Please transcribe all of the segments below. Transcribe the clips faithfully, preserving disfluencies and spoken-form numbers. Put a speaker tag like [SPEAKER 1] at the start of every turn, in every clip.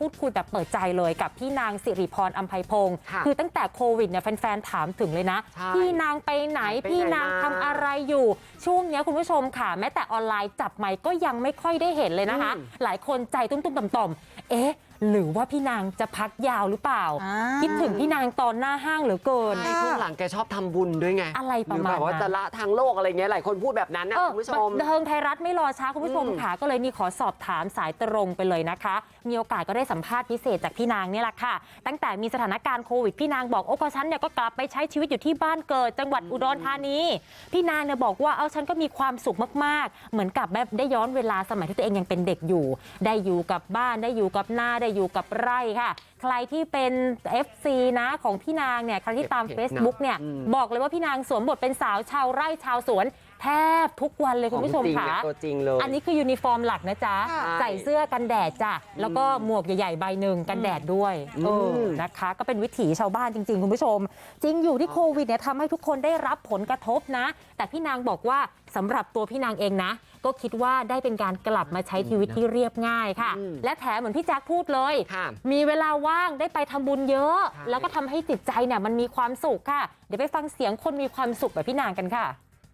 [SPEAKER 1] พูดคุยแบบเปิดใจเลยกับพี่นางสิริพรอัมไพพงศ์คือตั้งแต่โควิดเนี่ยแฟนๆถามถึงเลยนะพี่นางไปไหนพี่นางทำอะไรอยู่ช่วงนี้คุณผู้ชมค่ะแม้แต่ออนไลน์จับไมค์ก็ยังไม่ค่อยได้เห็นเลยนะคะหลายคนใจตุ้มๆต่อมๆเอ๊ะหรือว่าพี่นางจะพักยาวหรือเปล่าคิดถึงพี่นางตอนหน้าห้างเหลือเกิน
[SPEAKER 2] ช่วงหลังแกชอบทำบุญด้วยไง
[SPEAKER 1] อะไรประมาณ
[SPEAKER 2] แบบว่าจะละทางโลกอะไรเงี้ยหลายคนพูดแบบนั้นนะคุณผู้ชม
[SPEAKER 1] บันเทิงไทยรัฐไม่รอช้าคุณผู้ชมค่ะก็เลยนี่ขอสอบถามสายตรงไปเลยนะคะมีโอกาสก็ได้สัมภาษณ์พิเศษจากพี่นางนี่แหละค่ะตั้งแต่มีสถานการณ์โควิดพี่นางบอกโอ้ก็ฉันเนี่ยก็กลับไปใช้ชีวิตอยู่ที่บ้านเกิดจังหวัดอุดรธานีพี่นางเนี่ยบอกว่าเอาฉันก็มีความสุขมากๆเหมือนกับแบบได้ย้อนเวลาสมัยที่ตัวเองยังเป็นเด็กอยู่ได้อยู่กับบ้านได้อยู่กับนาได้อยู่กับไร่ค่ะใครที่เป็น เอฟ ซี นะของพี่นางเนี่ยใครที่ตาม Facebook เนี่ยบอกเลยว่าพี่นางสวมบทเป็นสาวชาวไร่ชาวสวนแทบทุกวันเลยคุณผู้ชมค่ะ
[SPEAKER 2] ตัวจริงเลย
[SPEAKER 1] อันนี้คือยูนิฟอร์มหลักนะจ๊ะใส่เสื้อกันแดดจ้ะแล้วก็หมวกใหญ่ๆใบหนึ่งกันแดดด้วยเออนะคะก็เป็นวิถีชาวบ้านจริงๆคุณผู้ชมจริงอยู่ที่โควิดเนี่ยทำให้ทุกคนได้รับผลกระทบนะแต่พี่นางบอกว่าสำหรับตัวพี่นางเองนะก็คิดว่าได้เป็นการกลับมาใช้ชีวิตที่เรียบง่ายค่ะและแถมเหมือนพี่แจ๊คพูดเลยมีเวลาว่างได้ไปทำบุญเยอะแล้วก็ทำให้จิตใจเนี่ยมันมีความสุขค่ะเดี๋ยวไปฟังเสียงคนมีความสุขแบบพี่นางกันค่ะ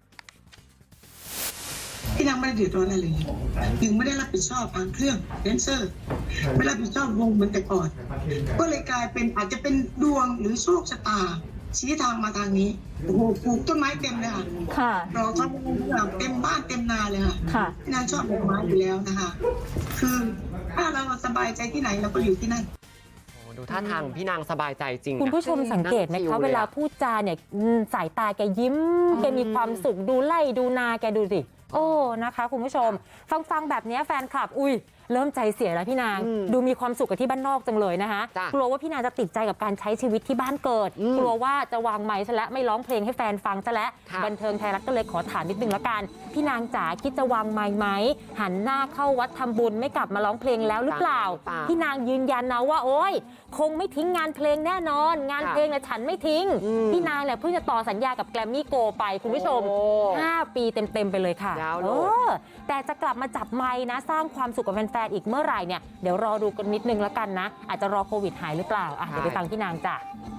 [SPEAKER 3] พี่นางไม่ได้เดือดร้อนอะไรเลยถึงไม่ได้รับผิดชอบทางเครื่องแดนเซอร์ไม่รับผิดชอบวงเหมือนแต่ก่อนก็เลยกลายเป็นอาจจะเป็นดวงหรือโชคชะตาชี้ทางมาทางนี้โอ้โหปลูกต้นไม้เต็มเลยค่ะเราทำบุญเต็มบ้านเต็มนาเลยค่ะพี่นางชอบดอกไม้อยู่แล้วนะคะคือถ้าเราสบายใจที่ไหนเราก็อยู่ที่นั่น
[SPEAKER 2] ดูท่าทางพี่นางสบายใจจริง
[SPEAKER 1] คุณผู้ชมสังเกตไหมคะเวลาพูดจาเนี่ยสายตาแกยิ้มแกมีความสุขดูไล่ดูนาแกดูสิโอ้นะคะคุณผู้ชมฟังฟังแบบนี้แฟนคลับอุ้ยเริ่มใจเสียแล้วพี่นางดูมีความสุขกับที่บ้านนอกจังเลยนะคะกลัวว่าพี่นางจะติดใจกับการใช้ชีวิตที่บ้านเกิดกลัวว่าจะวางไมค์ซะแล้วไม่ร้องเพลงให้แฟนฟังซะแล้วบันเทิงไทยรัฐก็เลยขอถามนิดนึงละกันพี่นางจ๋าคิดจะวางไมค์ไหมหันหน้าเข้าวัดทำบุญไม่กลับมาร้องเพลงแล้วหรือเปล่าพี่นางยืนยันนะว่าโอ๊ยคงไม่ทิ้งงานเพลงแน่นอนงานเพลงน่ะฉันไม่ทิ้งพี่นางเนี่ยเพิ่งจะต่อสัญญากับแกรมมี่โกไปคุณผู้ชมห้าปีเต็มๆไปเลยค่ะเออแต่จะกลับมาจับไมค์นะสร้างความสุขกับแฟนๆอีกเมื่อไหร่เนี่ยเดี๋ยวรอดูกันนิดนึงแล้วกันนะอาจจะรอโควิดหายหรือเปล่าอ่ะเดี๋ยวไปฟังพี่นางจ้ะ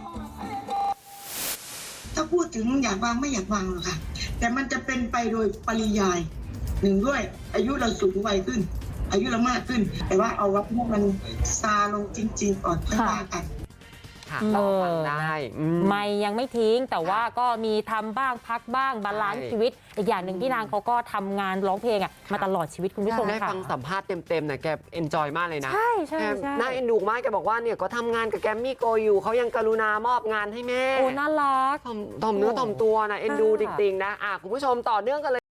[SPEAKER 3] ถ้าพูดถึงอยากวางไม่อยากวางหรอกค่ะแต่มันจะเป็นไปโดยปริยายหนึ่งด้วยอายุเราสูงวัยขึ้นอายุเรามากขึ้นแต่ว่าเอาว่าพวกมันซาลงจริงๆก่อนค่อยว่ากัน
[SPEAKER 2] เออได้
[SPEAKER 1] ไม่ยังไม่ทิ้งแต่ว่าก็มีทำบ้างพักบ้างบาลานซ์ชีวิตอีกอย่างหนึ่งที่นางเขาก็ทำงานร้องเพลงอ่ะมาตลอดชีวิตคุณผู้ชม
[SPEAKER 2] ได้ฟังสัมภาษณ์เต็มๆนะแกเอนจอยมากเลยนะ
[SPEAKER 1] ใช่ใช่
[SPEAKER 2] น่าเอ็นดูมากแกบอกว่าเนี่ยก็ทำงานกับแกมมี่โกอยู่เขายังกรุณามอบงานให้แม่
[SPEAKER 1] โอ้น่ารัก
[SPEAKER 2] ถ่อมเนื้อถ่อมตัวนะเอ็นดูจริงๆนะอ่ะคุณผู้ชมต่อเนื่องกันเลย